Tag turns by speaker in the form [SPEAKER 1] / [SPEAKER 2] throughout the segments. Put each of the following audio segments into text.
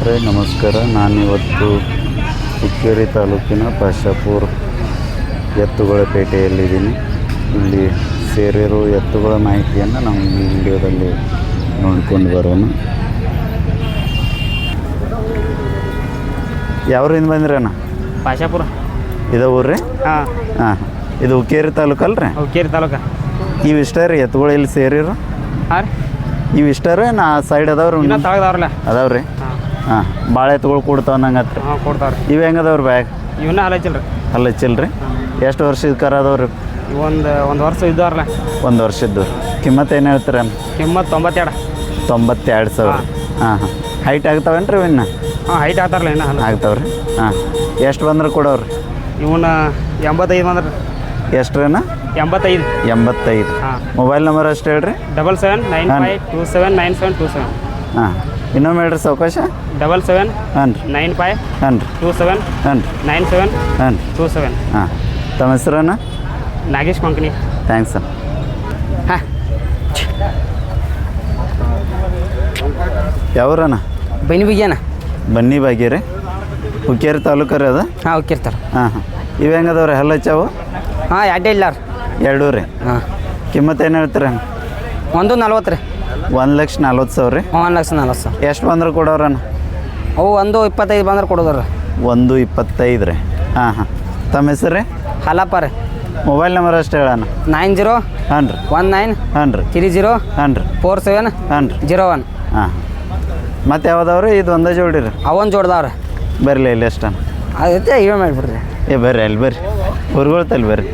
[SPEAKER 1] ರೈತರೇ ನಮಸ್ಕಾರ. ನಾನಿವತ್ತು ಹುಕ್ಕೇರಿ ತಾಲೂಕಿನ ಪಾಶಾಪುರ ಎತ್ತುಗಳ ಪೇಟೆಯಲ್ಲಿದ್ದೀನಿ. ಇಲ್ಲಿ ಸೇರಿರೋ ಎತ್ತುಗಳ ಮಾಹಿತಿಯನ್ನು ನಾವು ಈ ವಿಡಿಯೋದಲ್ಲಿ ನೋಡ್ಕೊಂಡು ಬರೋಣ. ಯಾವ್ರಿಂದ ಬಂದ್ರಣ್ಣ?
[SPEAKER 2] ಪಾಶಾಪುರ.
[SPEAKER 1] ಇದು ಊರ್ರಿ?
[SPEAKER 2] ಹಾಂ
[SPEAKER 1] ಹಾಂ. ಇದು ಹುಕ್ಕೇರಿ ತಾಲೂಕಲ್ರಿ?
[SPEAKER 2] ಹುಕ್ಕೇರಿ ತಾಲೂಕು.
[SPEAKER 1] ಇವು ಇಷ್ಟ ರೀ ಎತ್ತುಗಳು ಇಲ್ಲಿ ಸೇರಿರು?
[SPEAKER 2] ಹಾಂ ರೀ.
[SPEAKER 1] ಇವು ಇಷ್ಟ ರೀ ನಾ ಸೈಡ್ ಅದಾವ್ರಿ?
[SPEAKER 2] ಇನ್ನೂ ತಳಗದವ್ರಲ್ಲ
[SPEAKER 1] ಅದಾವ್ರಿ. ಹಾಂ. ಭಾಳ ಎತ್ತುಗಳು ಕೊಡ್ತಾವ ನಂಗತ್ರ?
[SPEAKER 2] ಹಾಂ ಕೊಡ್ತಾವ್ರಿ.
[SPEAKER 1] ಇವು ಹೆಂಗದವ್ರಿ ಬ್ಯಾಗ್?
[SPEAKER 2] ಇವನ್ನ ಹಲಚಿಲ್ರಿ.
[SPEAKER 1] ಹಲ್ಲಚ್ಚಿಲ್ರಿ? ಎಷ್ಟು ವರ್ಷದ ಕರ ಅದಾವ್ರಿ?
[SPEAKER 2] ಒಂದು ವರ್ಷ ಇದ್ದವ್ರಲ್ಲ.
[SPEAKER 1] ಒಂದು ವರ್ಷದ್ದು. ಕಿಮ್ಮತ್ತು ಏನು ಹೇಳ್ತೀರ?
[SPEAKER 2] ಕಿಮ್ಮತ್ತು
[SPEAKER 1] 92,000. ಹಾಂ ಹಾಂ. ಹೈಟ್ ಆಗ್ತಾವೇನು ರೀ ಇನ್ನು?
[SPEAKER 2] ಹಾಂ ಹೈಟ್ ಆಗ್ತಾರಲ್ಲ ಇನ್ನು
[SPEAKER 1] ಆಗ್ತಾವ್ರಿ. ಹಾಂ. ಎಷ್ಟು ಬಂದ್ರೆ ಕೊಡೋರಿ?
[SPEAKER 2] ಇವನ್ನ 85 ಬಂದ್ರಿ.
[SPEAKER 1] ಎಷ್ಟು ರೀ?
[SPEAKER 2] 85. ಹಾಂ.
[SPEAKER 1] ಮೊಬೈಲ್ ನಂಬರ್ ಅಷ್ಟು ಹೇಳ್ರಿ.
[SPEAKER 2] 7795279727.
[SPEAKER 1] ಹಾಂ. ಇನ್ನೊಮ್ಮೆ ಹೇಳ್ರಿ ಸಾವಕಾಶ.
[SPEAKER 2] 77
[SPEAKER 1] ಹಾಂ ರೀ.
[SPEAKER 2] 95
[SPEAKER 1] ಹಾಂ ರೀ.
[SPEAKER 2] 27
[SPEAKER 1] ಹಾಂ ರೀ.
[SPEAKER 2] 97
[SPEAKER 1] ಹಾಂ ರೀ.
[SPEAKER 2] 27.
[SPEAKER 1] ಹಾಂ. ತಮ್ಮ ಹೆಸರನ್ನ?
[SPEAKER 2] ನಾಗೇಶ್ ಕೊಂಕಣಿ.
[SPEAKER 1] ಥ್ಯಾಂಕ್ಸ್ ಅಣ್ಣ.
[SPEAKER 2] ಹಾಂ.
[SPEAKER 1] ಯಾವ್ರಣ್ಣ?
[SPEAKER 2] ಬೈನಿ ಬಿಗ್ಯಾನ.
[SPEAKER 1] ಬನ್ನಿ ಬಾಗಿರಿ. ಹುಕ್ಕೇರಿ ತಾಲೂಕು ರೀ ಅದು?
[SPEAKER 2] ಹಾಂ ಹೋಗಿರ್ತಾರೆ.
[SPEAKER 1] ಹಾಂ ಹಾಂ. ಇವು ಹೆಂಗದವ್ರಿ ಹಲ್ಲಚ್ಚಾವು?
[SPEAKER 2] ಹಾಂ ಎರಡೇ ಇಲ್ಲ ರೀ.
[SPEAKER 1] ಎರಡೂ ರೀ?
[SPEAKER 2] ಹಾಂ.
[SPEAKER 1] ಕಿಮ್ಮತ್ತು ಏನು ಹೇಳ್ತೀರ?
[SPEAKER 2] 140 ರೀ.
[SPEAKER 1] 1,40,000 ರೀ?
[SPEAKER 2] 1,40,000.
[SPEAKER 1] ಎಷ್ಟು ಬಂದ್ರೆ ಕೊಡೋರಣ್ಣ?
[SPEAKER 2] ಅವು 125 ಬಂದ್ರೆ ಕೊಡೋದ್ರಿ.
[SPEAKER 1] 125 ರೀ? ಹಾಂ ಹಾಂ. ತಮ್ಮ ಹೆಸರು ರೀ?
[SPEAKER 2] ಹಲಪ್ಪ ರೀ.
[SPEAKER 1] ಮೊಬೈಲ್ ನಂಬರ್ ಅಷ್ಟು ಹೇಳಣ್ಣ.
[SPEAKER 2] 90
[SPEAKER 1] ಹಾಂ ರೀ.
[SPEAKER 2] 19
[SPEAKER 1] ಹಾಂ ರೀ.
[SPEAKER 2] 30
[SPEAKER 1] ಹಾಂ ರೀ.
[SPEAKER 2] 47
[SPEAKER 1] ಹಾಂ ರೀ.
[SPEAKER 2] 01.
[SPEAKER 1] ಹಾಂ. ಮತ್ತು ಯಾವ್ದವ್ರಿ? ಇದು ಒಂದೇ ಜೋಡಿ ರೀ?
[SPEAKER 2] ಅವನ್ ಜೋಡ್ದಾವ್ರಿ.
[SPEAKER 1] ಬರಲಿ ಇಲ್ಲಿ ಎಷ್ಟಣ್ಣ?
[SPEAKER 2] ಅದೈತೆ ಇವೆ ಮಾಡಿಬಿಡ್ರಿ.
[SPEAKER 1] ಬರ್ರಿ ಅಲ್ಲಿ ಬರ್ರಿ. ಹುರ್ಗೊಳ್ತಲ್ಲಿ ಬರ್ರಿ.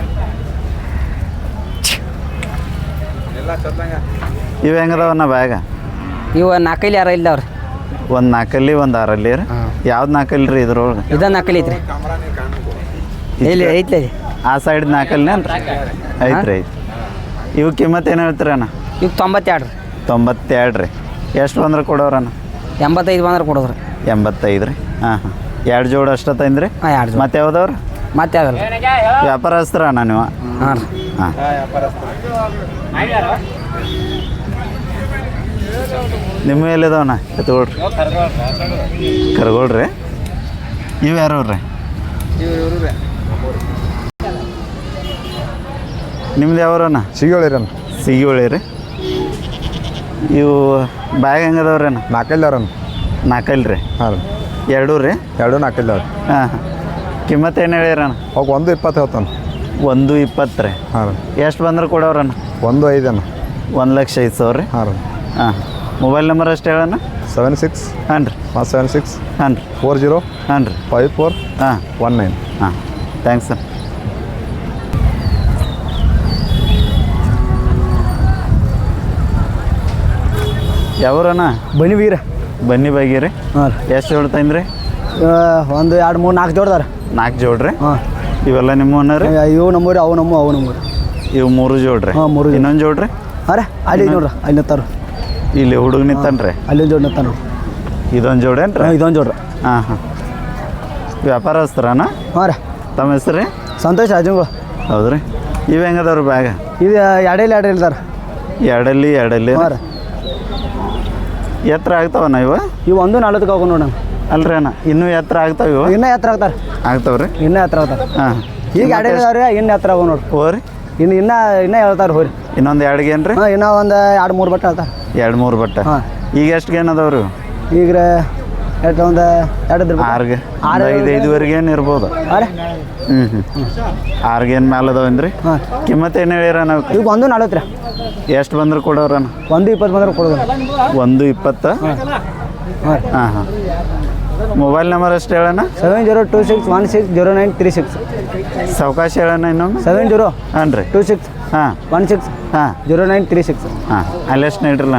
[SPEAKER 1] ಇವು ಹೆಂಗದವಣ್ಣ ಬ್ಯಾಗ?
[SPEAKER 2] ಇವು 4 ಯಾರ ಇಲ್ದಾವ್ರಿ.
[SPEAKER 1] ಒಂದು 4 ಒಂದು 6 ರೀ? ಯಾವ್ದು 4 ರೀ ಇದ್ರೊಳಗೆ?
[SPEAKER 2] ಇದು 4 ಐತ್ರಿ. ಇಲ್ಲಿ ಐತ್ಲಿ.
[SPEAKER 1] ಆ ಸೈಡ್ 4 ಐತ್ರಿ? ಐತ್ರಿ. ಇವು ಕಿಮ್ಮತ್ತು ಏನು ಹೇಳ್ತೀರಣ್ಣ?
[SPEAKER 2] ಈಗ 92 ರೀ.
[SPEAKER 1] 92 ರೀ? ಎಷ್ಟು ಬಂದ್ರೆ ಕೊಡೋರಣ್ಣ?
[SPEAKER 2] 85 ಬಂದ್ರೆ ಕೊಡೋದ್ರಿ.
[SPEAKER 1] 85 ರೀ? ಹಾಂ ಹಾಂ. 2 ಜೋಡಿ ಅಷ್ಟ ತಂದ್ರಿ?
[SPEAKER 2] ಹಾಂ 2 ಜೋಡಿ.
[SPEAKER 1] ಮತ್ತೆ ಯಾವ್ದವ್ರಿ?
[SPEAKER 2] ಮತ್ತೆ ಯಾವ್ದಲ್ಲ.
[SPEAKER 1] ವ್ಯಾಪಾರಸ್ತ್ರ ಅಣ್ಣ ನೀವು?
[SPEAKER 2] ಹಾಂ ರೀ.
[SPEAKER 1] ಹಾಂ. ನಿಮ್ಮ ಎಲ್ಲಿದಾವಣ್ಣ ಎತ್ಕೊಳ್ರಿ? ಕರ್ಗೊಳ್ರಿ. ಇವು ಯಾರವ್ರಿ? ನಿಮ್ದು ಯಾವ್ರಣ್ಣ?
[SPEAKER 3] ಸಿಗೋಳಿರಣ್ಣ.
[SPEAKER 1] ಸಿಗೋಳಿ ರೀ? ಇವು ಬ್ಯಾಗ್ ಹೆಂಗದವ್ರಿ ಅಣ್ಣ?
[SPEAKER 3] 4
[SPEAKER 1] 4 ರೀ?
[SPEAKER 3] ಹಾಂ ರೀ.
[SPEAKER 1] 2 ರೀ?
[SPEAKER 3] 2 4
[SPEAKER 1] ಹಾಂ ಹಾಂ. ಕಿಮ್ಮತ್ತು ಏನು ಹೇಳಿರಣ್ಣ?
[SPEAKER 3] ಅವಾಗ 120 ಹೇಳ್ತಾನೆ.
[SPEAKER 1] 120 ರೀ?
[SPEAKER 3] ಹಾಂ ರೀ.
[SPEAKER 1] ಎಷ್ಟು ಬಂದ್ರೆ ಕೊಡೋರಣ್ಣ?
[SPEAKER 3] 105 ಅಣ್ಣ.
[SPEAKER 1] 1,05,000 ರೀ?
[SPEAKER 3] ಹಾಂ ರೀ.
[SPEAKER 1] ಹಾಂ. ಮೊಬೈಲ್ ನಂಬರ್ ಅಷ್ಟು ಹೇಳಣ್ಣ.
[SPEAKER 3] 76
[SPEAKER 1] ಹಾಂ ರೀ.
[SPEAKER 3] 76
[SPEAKER 1] ಹಾಂ ರೀ.
[SPEAKER 3] 40
[SPEAKER 1] ಹಾಂ ರೀ.
[SPEAKER 3] 54
[SPEAKER 1] ಹಾಂ
[SPEAKER 3] 19.
[SPEAKER 1] ಹಾಂ. Thanks sir. ಯಾವ್ರಣ್ಣ?
[SPEAKER 2] ಬನ್ನಿ ಬೀರ.
[SPEAKER 1] ಬನ್ನಿ ಬಾಗಿರಿ?
[SPEAKER 2] ಹಾಂ ರೀ.
[SPEAKER 1] ಎಷ್ಟು ಜೋಡಿ ತಂದ್ರಿ?
[SPEAKER 2] 1 2 3 4 ಜೋಡ್ದಾರ.
[SPEAKER 1] 4 ಜೋಡ್ರಿ?
[SPEAKER 2] ಹಾಂ.
[SPEAKER 1] ಇವೆಲ್ಲ ನಿಮ್ಮವನ್ನ ರೀ?
[SPEAKER 2] ಇವು ನಮ್ಮೂರಿ, ಅವು ನಮ್ಮೂರಿ.
[SPEAKER 1] ಇವು 3 ಜೋಡ್ರಿ?
[SPEAKER 2] ಹಾಂ 3.
[SPEAKER 1] ಇನ್ನೊಂದು ಜೋಡ್ರಿ?
[SPEAKER 2] ಹಾಂ ರೀ. ಅಲ್ಲಿ ನೋಡ್ರಿ ಅಲ್ಲಿ ನಿಂತಾರು.
[SPEAKER 1] ಇಲ್ಲಿ ಹುಡುಗ ನಿಂತಾನ್ರಿ?
[SPEAKER 2] ಅಲ್ಲೊಂದು ಜೋಡಿ ನಿಂತಾನ.
[SPEAKER 1] ಇದೊಂದು ಜೋಡೇನು ರೀ?
[SPEAKER 2] ಇದೊಂದು ಜೋಡ್ರಿ.
[SPEAKER 1] ಹಾಂ ಹಾಂ. ವ್ಯಾಪಾರಸ್ತ್ರನ?
[SPEAKER 2] ಹಾಂ ರೀ.
[SPEAKER 1] ತಮ್ಮ ಹೆಸರು ರೀ?
[SPEAKER 2] ಸಂತೋಷ್ ರಾಜಂಗಳು.
[SPEAKER 1] ಹೌದು ರೀ? ಇವು ಹೆಂಗದವ್ರಿ ಬ್ಯಾಗ?
[SPEAKER 2] ಇದು ಎರಡು ಇಲ್ದಾರ.
[SPEAKER 1] ಎರಡಲ್ಲಿ
[SPEAKER 2] ಹಾಂ ರೀ.
[SPEAKER 1] ಎತ್ತರ ಆಗ್ತಾವಣ್ಣ ಇವು?
[SPEAKER 2] ಇವು 140 ಹೋಗು ನೋಡೋಣ.
[SPEAKER 1] ಅಲ್ರಿ ಅಣ್ಣ ಇನ್ನೂ ಎತ್ತರ ಆಗ್ತಾವ ಇವು?
[SPEAKER 2] ಇನ್ನೂ ಎತ್ತರ ಆಗ್ತಾರೆ.
[SPEAKER 1] ಆಗ್ತಾವ್ರಿ?
[SPEAKER 2] ಇನ್ನೂ ಎತ್ತರ ಆಗ್ತಾರೆ.
[SPEAKER 1] ಹಾಂ.
[SPEAKER 2] ಈಗ 2 ಇದಾವ್ರಿ. ಇನ್ನು ಎತ್ತರ ಹೋಗಿ ನೋಡ್ರಿ.
[SPEAKER 1] ಹೋರಿ?
[SPEAKER 2] ಇನ್ನೂ ಹೇಳ್ತಾರೆ ಹೋರಿ.
[SPEAKER 1] ಇನ್ನೊಂದು 2 ಗೇನ್ ರೀ?
[SPEAKER 2] ಹಾಂ ಇನ್ನೂ ಒಂದು 2 3 ಬಟ್ಟೆ ಹೇಳ್ತಾರೆ.
[SPEAKER 1] 2 3 ಬಟ್ಟೆ? ಹಾಂ. ಈಗ ಎಷ್ಟು ಗೇನ್ ಅದಾವ್ರಿ?
[SPEAKER 2] ಈಗ ಒಂದು 2
[SPEAKER 1] 6 5-5ವರೆಗೆ ಏನು ಇರ್ಬೋದು?
[SPEAKER 2] ಹಾಂ ರೀ.
[SPEAKER 1] 6 ಗೇನ್ ಮೇಲೆ ಅದಾವೇನ್ರಿ?
[SPEAKER 2] ಹಾಂ.
[SPEAKER 1] ಕಿಮ್ಮತ್ತು ಏನು ಹೇಳಿರ ನಾವು?
[SPEAKER 2] ಈಗ 140 ರೀ.
[SPEAKER 1] ಎಷ್ಟು ಬಂದ್ರೆ ಕೊಡೋರಣ್ಣ?
[SPEAKER 2] 120 ಬಂದ್ರೆ ಕೊಡೋದು.
[SPEAKER 1] 120?
[SPEAKER 2] ಹಾಂ
[SPEAKER 1] ಹಾಂ ಹಾಂ. ಮೊಬೈಲ್ ನಂಬರ್ ಅಷ್ಟು ಹೇಳಣ್ಣ.
[SPEAKER 2] 7026160936.
[SPEAKER 1] ಸಾವಕಾಶ ಹೇಳಣ್ಣ ಇನ್ನೊಮ್ಮೆ.
[SPEAKER 2] 70
[SPEAKER 1] ಹಾಂ ರೀ.
[SPEAKER 2] 26
[SPEAKER 1] ಹಾಂ
[SPEAKER 2] 16
[SPEAKER 1] ಹಾಂ
[SPEAKER 2] 0936.
[SPEAKER 1] ಹಾಂ. ಅಲ್ಲೆಷ್ಟು ನೀಡ್ರಲ್ಲ.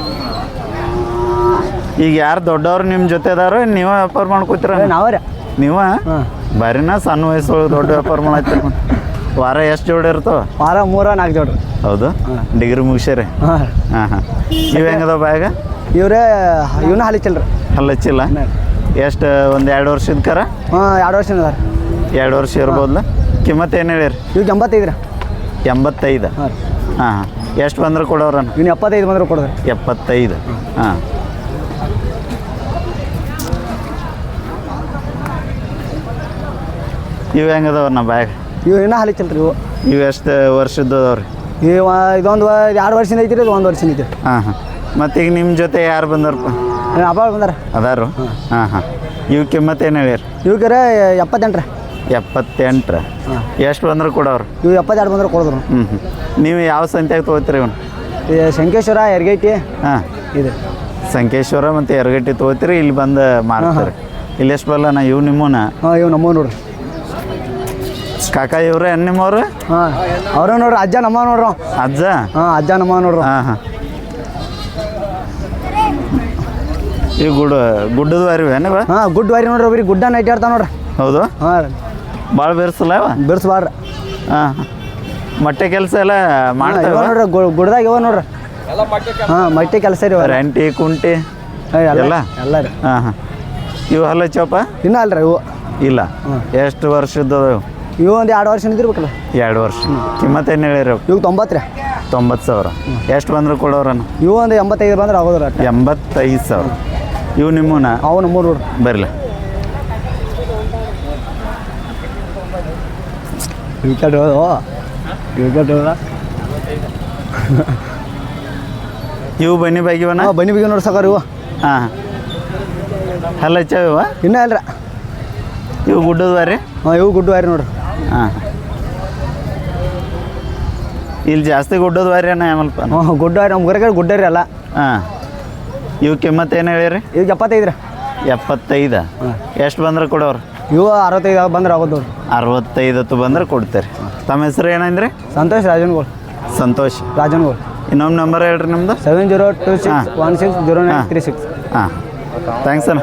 [SPEAKER 1] ಈಗ ಯಾರು ದೊಡ್ಡವ್ರು ನಿಮ್ಮ ಜೊತೆ ಅದಾರೋ ನೀವೇ ವ್ಯಾಪಾರ ಮಾಡ್ಕೊತೀರ?
[SPEAKER 2] ನಾವೇ ರೀ.
[SPEAKER 1] ನೀವ?
[SPEAKER 2] ಹಾಂ.
[SPEAKER 1] ಬರೀನಾ ಸಣ್ಣ ವಯಸ್ಸೊಳಗೆ ದೊಡ್ಡ ವ್ಯಾಪಾರ ಮಾಡತ್ತೀರ? ವಾರ ಎಷ್ಟು ಜೋಡಿ ಇರ್ತಾವ?
[SPEAKER 2] ವಾರ 3 4 ಜೋಡ್ರಿ.
[SPEAKER 1] ಹೌದು? ಡಿಗ್ರಿ ಮುಗಿಸ್ಯಾರಿ?
[SPEAKER 2] ಹಾಂ
[SPEAKER 1] ಹಾಂ ಹಾಂ. ಇವು ಹೆಂಗದಾವ ಬ್ಯಾಗ?
[SPEAKER 2] ಇವರೇ ಇವನ್ನ ಹಲಿಚಲ್ರಿ.
[SPEAKER 1] ಹಲ್ಲಚ್ಚಿಲ್ಲ? ಎಷ್ಟು ಒಂದು 2 ವರ್ಷದ ಕರ?
[SPEAKER 2] ಹಾಂ 2 ವರ್ಷ ಅದಾರ.
[SPEAKER 1] 2 ವರ್ಷ ಇರ್ಬೋದಲ್ಲ? ಕಿಮ್ಮತ್ತು ಏನು ಹೇಳಿರಿ?
[SPEAKER 2] ಇವಾಗ 85 ರೀ.
[SPEAKER 1] 85?
[SPEAKER 2] ಹಾಂ.
[SPEAKER 1] ಹಾಂ ಹಾಂ. ಎಷ್ಟು ಬಂದ್ರೆ ಕೊಡೋರಣ್ಣ?
[SPEAKER 2] ಇನ್ನು 75 ಬಂದ್ರೆ ಕೊಡೋದ್ರಿ.
[SPEAKER 1] 75? ಹಾಂ. ಇವು ಹೆಂಗದವ ನಾ ಬ್ಯಾಗ್
[SPEAKER 2] ಇವು ಇನ್ನೂ ಹಾಲಿಚ್ಚಲ್ರಿ ಇವು
[SPEAKER 1] ಇವು ಎಷ್ಟು ವರ್ಷದ್ದು ಅದಾವ್ರಿ
[SPEAKER 2] ಇದೊಂದು 2 ವರ್ಷದಿಂದ ಐತಿ ರೀ, ಇದು 1 ವರ್ಷದಿಂದ ಐತಿ.
[SPEAKER 1] ಹಾಂ ಹಾಂ ಮತ್ತೀಗ ನಿಮ್ಮ ಜೊತೆ ಯಾರು ಬಂದವ್ರಪ್ಪ?
[SPEAKER 2] ಅಪ್ಪ ಬಂದಾರ.
[SPEAKER 1] ಅದಾರು ಹಾಂ ಹಾಂ ಇವು ಕಿಮ್ಮತ್ತು ಏನು ಹೇಳ್ಯಾರ?
[SPEAKER 2] ಇವಕ್ಕೆ 78 ರೀ.
[SPEAKER 1] 78 ಎಷ್ಟು ಬಂದ್ರೆ ಕೊಡೋರು?
[SPEAKER 2] ಇವು 72 ಬಂದ್ರೆ ಕೊಡೋದ್ರು.
[SPEAKER 1] ಹ್ಞೂ ನೀವು ಯಾವ ಸಂತ್ಯಾಗ ತೊಗೋತೀರಿ ಇವನು?
[SPEAKER 2] ಶಂಕೇಶ್ವರ ಯರಗೈಟಿ
[SPEAKER 1] ಹಾಂ
[SPEAKER 2] ಇದೆ.
[SPEAKER 1] ಸಂಕೇಶ್ವರ ಮತ್ತು ಯರಗಟ್ಟಿ ತೊಗೋತೀರಿ, ಇಲ್ಲಿ ಬಂದು ಮಾರ್ತಾರೆ. ಇಲ್ಲಿ ಎಷ್ಟು ಬರಲ್ಲ ನಾ ಇವು ನಿಮ್ಮನ?
[SPEAKER 2] ಹಾಂ ಇವು ನಮ್ಮವ್ ನೋಡ್ರಿ.
[SPEAKER 1] ಕಾಕ ಇವ್ರೆ ನಿಮ್ಮವ್ರು?
[SPEAKER 2] ಹಾಂ ಅವ್ರ ನೋಡ್ರಿ, ಅಜ್ಜ ನಮ್ಮ ನೋಡ್ರಿ.
[SPEAKER 1] ಅಜ್ಜ?
[SPEAKER 2] ಹಾಂ ಅಜ್ಜ ನಮ್ಮ ನೋಡ್ರಿ.
[SPEAKER 1] ಹಾಂ ಹಾಂ ಇವು ಗುಡ್ಡದ ವಾರಿವೆ ನೀವು?
[SPEAKER 2] ಹಾಂ ಗುಡ್ ವಾರಿ ನೋಡ್ರಿ, ಒಬ್ರಿಗೆ ಗುಡ್ಡ ನೈಟ್ ಆಡ್ತಾವ ನೋಡ್ರಿ.
[SPEAKER 1] ಹೌದು?
[SPEAKER 2] ಹಾಂ
[SPEAKER 1] ಭಾಳ ಬೆರ್ಸಲ್ಲ ಅವ?
[SPEAKER 2] ಬಿರ್ಸ್ಬಾರ್ರಿ.
[SPEAKER 1] ಹಾಂ ಮೊಟ್ಟೆ ಕೆಲಸ ಎಲ್ಲ
[SPEAKER 2] ಇವ
[SPEAKER 1] ಮಾಡ್ತಾವ
[SPEAKER 2] ನೋಡ್ರಿ, ಗುಡ್ದಾಗ ಇವ ನೋಡ್ರಿ. ಹಾಂ ಮಟ್ಟಿ ಕೆಲಸ ರೀ.
[SPEAKER 1] ರಂಟಿ ಕುಂಟಿ ಎಲ್ಲ?
[SPEAKER 2] ಎಲ್ಲ ರೀ.
[SPEAKER 1] ಹಾಂ ಹಾಂ ಇವು ಹಲ್ಲ ಚೋಪ?
[SPEAKER 2] ಇನ್ನೂ ಅಲ್ರಿ ಇವು
[SPEAKER 1] ಇಲ್ಲ. ಎಷ್ಟು ವರ್ಷದ್ದು ಇವು?
[SPEAKER 2] ಇವು ಒಂದು 2 ವರ್ಷ ನಿಂತಿರ್ಬೇಕಲ್ಲ.
[SPEAKER 1] 2 ವರ್ಷ. ಕಿಮ್ಮತ್ತು ಏನು ಹೇಳಿರಿ?
[SPEAKER 2] ಇವು 90 ರೀ.
[SPEAKER 1] 90,000. ಎಷ್ಟು ಬಂದ್ರೆ ಕೊಡೋರನ್ನ?
[SPEAKER 2] ಇವು ಒಂದು 85 ಬಂದ್ರೆ ಆಗೋದ್ರ.
[SPEAKER 1] 85,000. ಇವು ನಿಮ್ಮನ?
[SPEAKER 2] ಅವು ನಮ್ಮೂರು ನೋಡ್ರಿ.
[SPEAKER 1] ಬರಲ್ಲ
[SPEAKER 2] ವಿಕೆಟ್
[SPEAKER 1] ಇವು ಬನ್ನಿ ಬಾಗಿವನ?
[SPEAKER 2] ಹಾಂ ಬನ್ನಿ ಬಿಗಿ ನೋಡಿ ಸಾಕಾರ ಇವು.
[SPEAKER 1] ಹಾಂ ಹಲ್ಲ ಹಚ್ಚಾವ ಇವ?
[SPEAKER 2] ಇನ್ನೂ ಅಲ್ರಿ.
[SPEAKER 1] ಇವು ಗುಡ್ಡದ ವಾರಿ?
[SPEAKER 2] ಹಾಂ ಇವು ಗುಡ್ಡ ವಾರಿ ನೋಡ್ರಿ.
[SPEAKER 1] ಹಾಂ ಇಲ್ಲಿ ಜಾಸ್ತಿ ಗುಡ್ಡದ ವಾರಿ ಅನ್ನ ಆಮಲ್ಪ?
[SPEAKER 2] ಹಾಂ ಗುಡ್ಡ ವಾರಿ, ನಮ್ಮ ಊರಾಗ ಗುಡ್ಡ ರೀ ಅಲ್ಲ.
[SPEAKER 1] ಹಾಂ ಇವು ಕಿಮ್ಮತ್ತು ಏನು ಹೇಳಿರಿ?
[SPEAKER 2] ಈಗ 75 ರೀ.
[SPEAKER 1] 75. ಎಷ್ಟು ಬಂದ್ರೆ ಕೊಡೋರು?
[SPEAKER 2] ಇವು 65 ಬಂದ್ರೆ ಆಗೋದು ನೋಡ್ರಿ.
[SPEAKER 1] 65 ಬಂದ್ರೆ ಕೊಡ್ತೀರಿ. ತಮ್ಮ ಹೆಸರು ಏನಂದ್ರಿ?
[SPEAKER 2] ಸಂತೋಷ್ ರಾಜನ್ಗೋಳ್.
[SPEAKER 1] ಸಂತೋಷ್
[SPEAKER 2] ರಾಜನ್ಗೋಳ್.
[SPEAKER 1] ಇನ್ನೊಂದು ನಂಬರ್ ಹೇಳ್ರಿ ನಿಮ್ಮದು?
[SPEAKER 2] 7026160936.
[SPEAKER 1] ಹಾಂ ಥ್ಯಾಂಕ್ಸ್ ಅಣ್ಣ.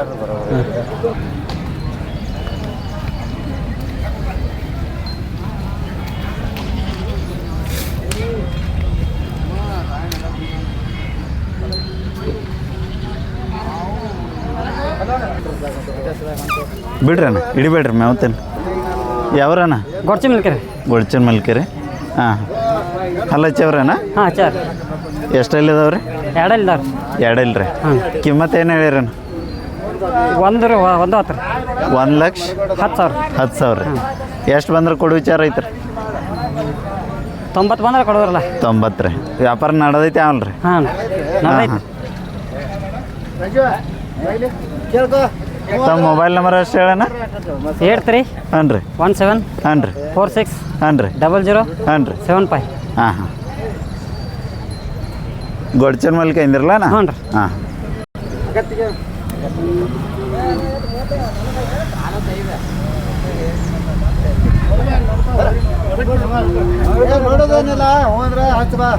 [SPEAKER 1] ಬಿಡ್ರಿ ಅಣ್ಣ, ಹಿಡಿಬೇಡ್ರಿ ಮೇವತ್ತೇನು. ಯಾವ್ರಣ್ಣ?
[SPEAKER 4] ಗೊಡ್ಚಿ ಮಿಲ್ಕರಿ.
[SPEAKER 1] ಗೊಡ್ಚನ್ ಮಲ್ಕಿರಿ. ಹಾಂ ಹಲ್ಲ ಹಚ್ಚವ್ರಣ್ಣ?
[SPEAKER 4] ಹಾಂ ಹಚ್ಚಾರ.
[SPEAKER 1] ಎಷ್ಟಲ್ಲಿ ಇದಾವ್ರಿ?
[SPEAKER 4] 2 ಇಲ್ದಾರ.
[SPEAKER 1] 2 ಇಲ್ರಿ. ಕಿಮ್ಮತ್ತು ಏನು ಹೇಳಿರಣ್ಣ?
[SPEAKER 4] 1 ರೀ, 1 10 ರೀ.
[SPEAKER 1] 1,10,000. 10,000 ರೀ. ಎಷ್ಟು ಬಂದ್ರೆ ಕೊಡು ವಿಚಾರ ಐತ್ರಿ?
[SPEAKER 4] 90 ಬಂದ್ರೆ ಕೊಡೋದ್ರಲ್ಲ.
[SPEAKER 1] 90 ರೀ. ವ್ಯಾಪಾರ ನಡೆದೈತಿ ಅವಲ್ರಿ?
[SPEAKER 4] ಹಾಂ
[SPEAKER 1] ಹಾಂ. ತಮ್ಮ ಮೊಬೈಲ್ ನಂಬರ್ ಅಷ್ಟು ಹೇಳಣ್ಣ?
[SPEAKER 4] 83
[SPEAKER 1] ಹಾಂ ರೀ.
[SPEAKER 4] 17
[SPEAKER 1] ಹಾಂ ರೀ.
[SPEAKER 4] 46
[SPEAKER 1] ಹಾಂ ರೀ.
[SPEAKER 4] 00
[SPEAKER 1] ಹಾಂ ರೀ.
[SPEAKER 4] 75.
[SPEAKER 1] ಹಾಂ ಹಾಂ ಗೊಡ್ಚನ್ ಮಲ್ಕ ಇಂದಿರಲ್ಲ ನಾ?
[SPEAKER 4] ಹ್ಞೂ ರೀ.
[SPEAKER 1] ಹಾಂ
[SPEAKER 2] ನೋಡೋದೇನಿಲ್ಲ ಹೋದ್ರೆ ಹಚ್ಚ ಬಾ.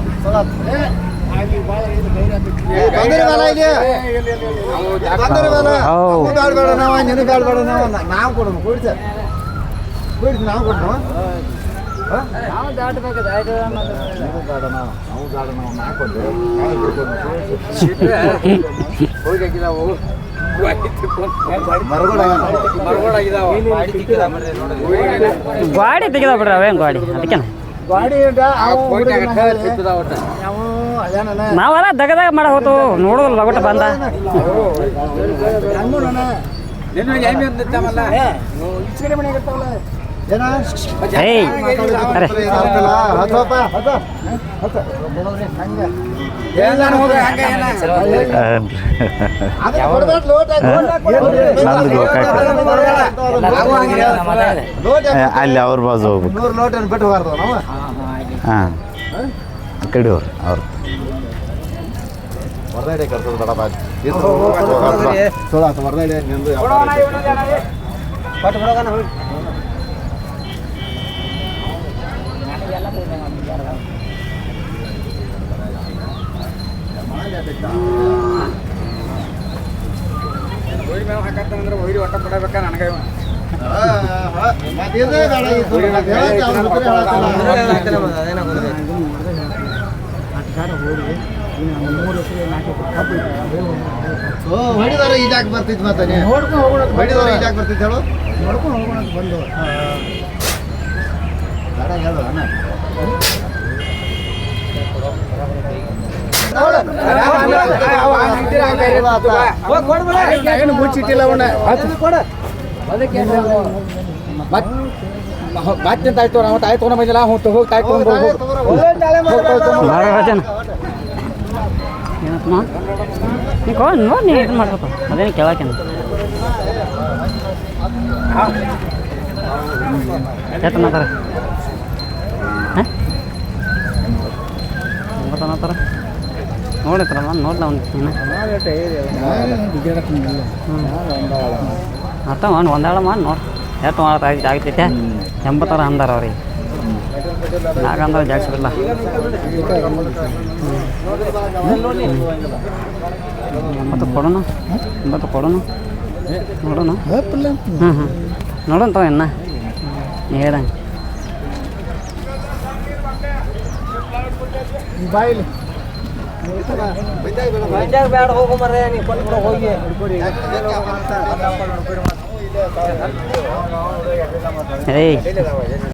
[SPEAKER 2] ನಾವು ಕೊಡೋಣ ಕೂಡಿಸ ನಾವು ಕೊಡೋಣ.
[SPEAKER 4] ಗಾಡಿ ತೆಗೆದ ಬಿಡ್ರಿ ಅವೇನು ಗಾಡಿ ಅದಕ್ಕೆ ನಾವೆಲ್ಲ ದಗದಾಗ ಮಾಡ ಹೋತು ನೋಡೋದು ಲಗೋಟ ಬಂದ. ಏಯ್ ಅರೆ
[SPEAKER 1] ಅಲ್ಲಿ ಅವ್ರ ಬಾಜು ಹೋಗ್ಬೇಕು.
[SPEAKER 2] 100 ಲೋಟ ಬಿಟ್ಟು ಬಾರ್ದು ನಾವು.
[SPEAKER 1] ಹಾಂ ಆ ಕಡೆ ಅವ್ರು ಅವ್ರು
[SPEAKER 2] ಹೊರಗಡೆ ಕರ್ತದ ಬೇಡ ಬಾಜು ಸೋಲಾತ ಹೊರಗಡೆ ನಿಂದು ಪಟ್ಟು ಬಿಡೋಣ. ಹಾಕತ್ತಂದ್ರೆ ಒಯ್ರಿ ಒಟ್ಟ ಕೊಡಬೇಕ ನನಗೆ. ಹೊಡಿದಾರ ಈಜಾಕ್ ಬರ್ತಿದ್ ಮತ್ತೆ ಹೊಡಿದಾರ ಈಜಾಕ್ ಬರ್ತಿದ್ ಹೇಳು. ನೋಡ್ಕೊಂಡು ಹೋಗೋಣ ಬಂದು ಹೇಳು ಅಣ್ಣ. ಏನು ಮುಚ್ಚಿಟ್ಟಿಲ್ಲ ಅವನ್ನ ಮತ್ತೆ ಆಯ್ತು ನಾವು ತಾಯಿ ತೊಗೊಂಡು ಬಂದಿಲ್ಲ ಹೋಗಿ ತಾಯಿ ತೊಗೊಂಡು
[SPEAKER 4] ಭಾಳ ರಾಜನ ಏನಪ್ಪ ನೀ ನೋಡಿ ನೀ ಇದು ಮಾಡ್ಬೇಕು ಅದೇನು ಕೇಳಾಕೇನು ಎಷ್ಟು ಅನ್ನತ್ತಾರ ಹಾಂ ಒಂಬತ್ತು ಅನ್ನತ್ತಾರ ನೋಡಿತ್ರಲ್ಲ ನೋಡ್ಲ ಒಂದು ಅರ್ಥ ಮಾಡಿ ಒಂದಾಳ ಮಾಡಿ ನೋಡಿ ಎಷ್ಟು ಮಾಡೋದು ಆಗ್ತೈತೆ 80 ಅಂದಾರ ಅವ್ರಿಗೆ ನಾಗಂದ್ರೆ ಜಾಗ್ಸಿಲ್ಲ ಎಂಬತ್ತು ಕೊಡೋಣ 80 ಕೊಡೋಣ ನೋಡೋಣ ಹ್ಞೂ ನೋಡೋಣ ತಗೋ ಇನ್ನ ನೀ ಹೇಳ್ದಂಗೆ
[SPEAKER 2] ಬಾಯಿಲಿ ಬೇಡ ಹೋಗೋ ಮರ ನೀವು ಕೊಟ್ಟು ಹೋಗಿ
[SPEAKER 4] ಏಯ್